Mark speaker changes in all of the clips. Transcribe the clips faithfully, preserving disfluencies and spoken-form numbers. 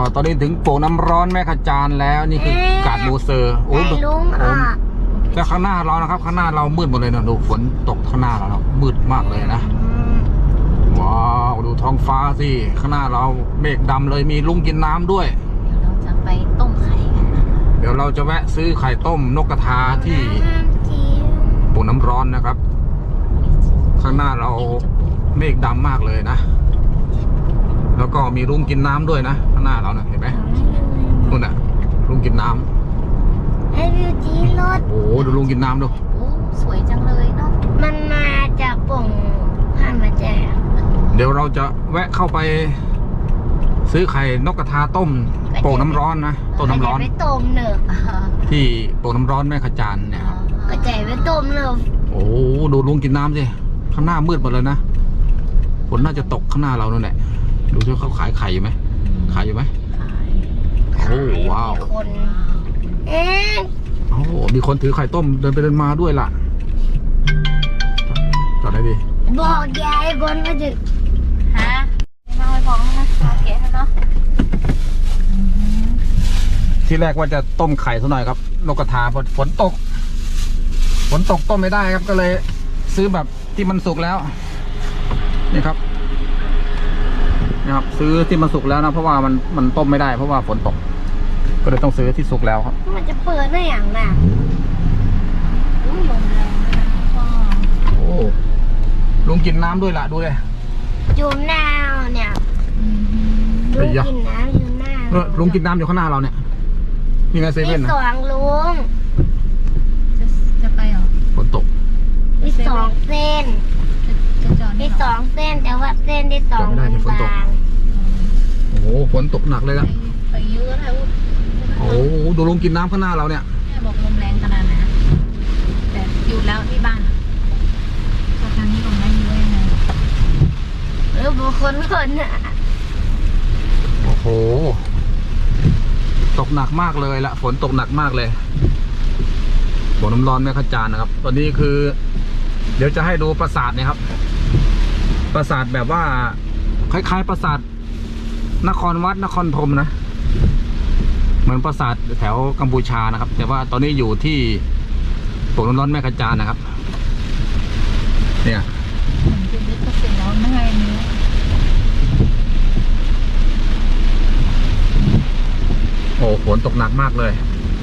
Speaker 1: ตอนนี้ถึงโป่งน้ำร้อนแม่ขจานแล้วนี่คือกาดมูเซอร์โอ้ยลุงอ่ะแล้วข้างหน้าเรานะครับข้างหน้าเรามืดหมดเลยนะดูฝนตกข้างหน้าเราแล้วมืดมากเลยนะว้าวดูท้องฟ้าสิข้างหน้าเราเมฆดำเลยมีลุงกินน้ำด้วย
Speaker 2: เดี๋ยวเราจะไปต้มไข่กันนะ
Speaker 1: เดี๋ยวเราจะแวะซื้อไข่ต้มนกกระทาที่โป่งน้ำร้อนนะครับข้างหน้าเราเมฆดำมากเลยนะแล้วก็มีลุงกินน้ำด้วยนะข้างหน้าเรานะเห็นไหมนู่นน่ะลุงกินน้ำ
Speaker 3: ไอวิวจีรถ
Speaker 1: โอ้โหดูลุงกินน้ำดู
Speaker 2: โอ้สวยจังเลยเนาะ
Speaker 3: มันมาจากโป่งผ่านมาแจก
Speaker 1: เดี๋ยวเราจะแวะเข้าไปซื้อไข่นกกระทาต้มโป่งน้ำร้อนนะต้มน้ำร้อน
Speaker 3: ไปต้มเนอะ
Speaker 1: ที่โป่งน้ำร้อนแม่ขจานเนี่ยครับ
Speaker 3: ก็ใจไปต้มเนอะ
Speaker 1: โอ้ดูลุงกินน้ำสิข้างหน้ามืดหมดเลยนะฝนน่าจะตกข้างหน้าเรานั่นแหละดูที่เขาขายไข่อยู่ไหมขายอยู่ไหมโอ้ว้าว
Speaker 3: คนเอ๊ะ
Speaker 1: โอ้มีคนถือไข่ต้มเดินไปเดินมาด้วยล่ะจอดได้ดิ
Speaker 3: บอกยายบนมาดึก
Speaker 2: ฮะมาไปบอกนะเก๋เนาะ
Speaker 1: ที่แรกว่าจะต้มไข่ซะหน่อยครับนกกระทาพอฝนตกฝนตกต้มไม่ได้ครับก็เลยซื้อแบบที่มันสุกแล้วนี่ครับนะครับซื้อที่มันสุกแล้วนะเพราะว่ามันมันต้มไม่ได้เพราะว่าฝนตกก็เลยต้องซื้อที่สุกแล้วครับ
Speaker 3: มันจะเปิดได้อย่างน่ะ
Speaker 2: อุ้ยลมแรงนะ
Speaker 1: โอ้ลุงกินน้ำด้วยล่ะดูเลย
Speaker 3: อยู่หน้าเนี่ยลุงกินน้ำอยู่หน้า
Speaker 1: เออลุงกินน้ำอยู่ข้างหน้าเราเนี่ยนี่ไงเซเว่นนะ
Speaker 3: มีสองลุง
Speaker 2: จะจะไปเหรอ
Speaker 1: ฝนตก
Speaker 3: มีสองเส้นมีสองเส้นแต่ว่าเส้นที่สองบาง
Speaker 1: โอ้โหฝนตกหนักเลยนะ
Speaker 2: ไปเยอะแล้ว
Speaker 1: โอ้โหดูลุงกินน้ำข้างหน้าเราเนี่ย
Speaker 2: แม่บอกลมแรงขนาดไหนแต่อยู่แล้วที่บ้านสถานนี้ลมแรงเยอะยังไง
Speaker 3: เออบุคคลคนน่ะ
Speaker 1: โอ้โหตกหนักมากเลยละฝนตกหนักมากเลยบ่อน้ำร้อนแม่ขจานนะครับตอนนี้คือเดี๋ยวจะให้ดูปราสาทเนี่ยครับปราสาทแบบว่าคล้ายๆปราสาทนครวัดนครธมนะเหมือนปราสาทแถวกัมพูชานะครับแต่ว่าตอนนี้อยู่ที่โป่งน้ำร้อนแม่ขจานนะครับเนี่ย
Speaker 2: จะยึดก็เสร็จแล้วไม่ไงนี้
Speaker 1: โอ้ฝนตกหนักมากเลย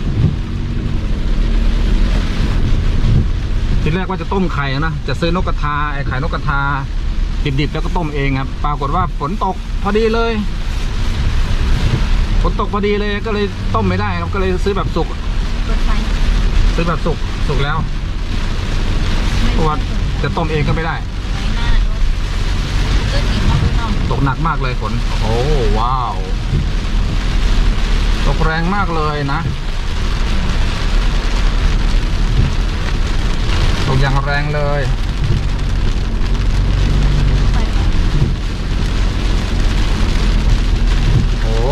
Speaker 1: ทีแรกว่าจะต้มไข่นะจะซื้อนกกระทาไอ้ไข่นกกระทาดิบๆแล้วก็ต้มเองครับปรากฏว่าฝนตกพอดีเลยฝนตกพอดีเลยก็เลยต้มไม่ได้ครับก็เลยซื้อแบบสุกซื้อแบบสุกสุกแล้วเพราะว่าจะต้มเองก็ไม่ได้ตกหนักมากเลยฝนโอ้ว้าวตกแรงมากเลยนะตกอย่างแรงเลยโอ้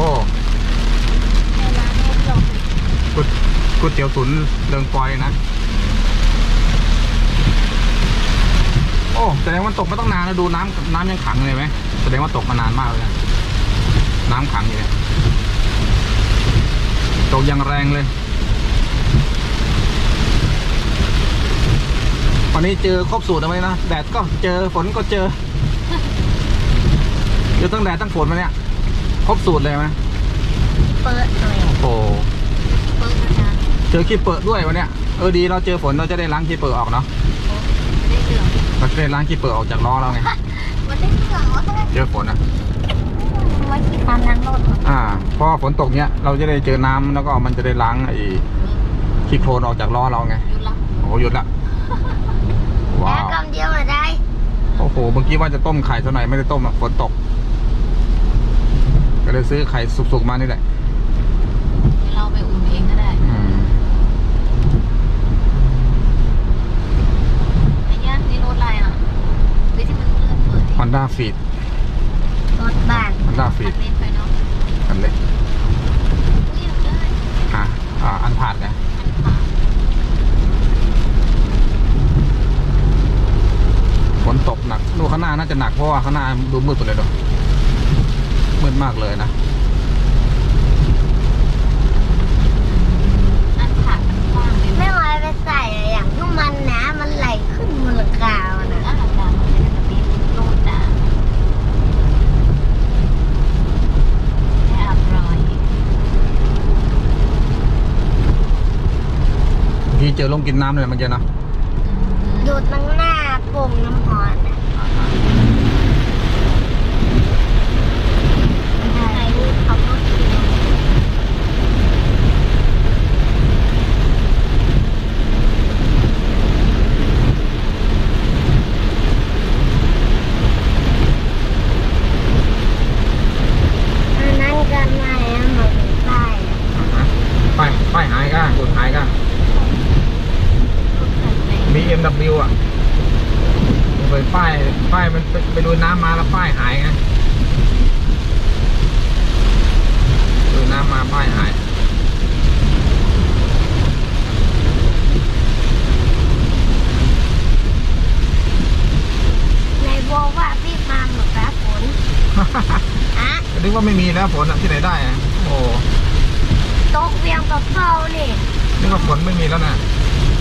Speaker 1: ก๋วยก๋วยเตี๋ยวตุ๋นเรืองปอยนะโอ้แสดงว่าตกมาต้องนานแล้วดูน้ำน้ำยังขังเลยไหมแสดงว่าตกมานานมากเลยนะน้ำขังอยู่เนี่ยตกอย่างแรงเลยวันนี้เจอครบสูตรไหมนะแดดก็เจอฝนก็เจอเจอตั้งแดดตั้งฝนมาเนี่ยครบสูตรเลยไหม
Speaker 3: เปิดเลย
Speaker 1: โอ้เจอขี้เปิดด้วยวันเนี้ยเออดีเราเจอฝนเราจะได้ล้างขี้เปิดออกเนาะเราจะได้ล้างขี้เปิดออกจากล้อเราไงเจอฝนอ่ะ
Speaker 3: ไว้ที่ตามล้างรถ
Speaker 1: อ่าเพราะฝนตกเนี้ยเราจะได้เจอน้ำแล้วก็มันจะได้ล้างไอ้ขี้โคลนออกจากล้อเราไงโอ้หยุดละ
Speaker 3: ว้าวกำเดียวมาได้
Speaker 1: โอ้โหเมื่อกี้ว่าจะต้มไข่สักหน่อยไม่ได้ต้มอ่ะฝนตกก็เลยซื้อไข่สุกๆมานี่แหละ
Speaker 2: เราไปอุ่นเองก็ได้ไอ้ย่านนี่รถอะไรอ่ะวิธีมันเลื่อนเปิด
Speaker 1: Honda Fit
Speaker 3: รถบ้าน
Speaker 1: Honda Fit อันเล็กอ่ะอ่าอันผ่านไงฝนตกหนักดูข้างหน้าน่าจะหนักเพราะว่าข้างหน้าดูมืดไปเลยเนาะมืดมากเลยนะเจอลงกินน้ำเลยเมื่อกี้เนาะ
Speaker 3: อยู่ตรงหน้าโป่งน้ำหอนน่ะไหนรูปเขาก็เขียนอันนั้นก็ไม่เอามาเป็นป้ายอะ
Speaker 1: ป้ายป้ายหายก้าสุดหายก้า บี เอ็ม ดับเบิลยู อ่ะไปป้ายป้ายมันไปไปดูน้ำมาแล้วป้ายหายไงดูน้ำมาป้ายหาย
Speaker 3: ในบอกว่าพี่มาหมดแล้วฝนอะ
Speaker 1: ก็นึกว่าไม่มีแล้วฝนอะที่ไหนได้อะโอ้
Speaker 3: ตกเวียงกับเฝ้านี่
Speaker 1: นึกว่าฝนไม่มีแล้วนะ
Speaker 3: เ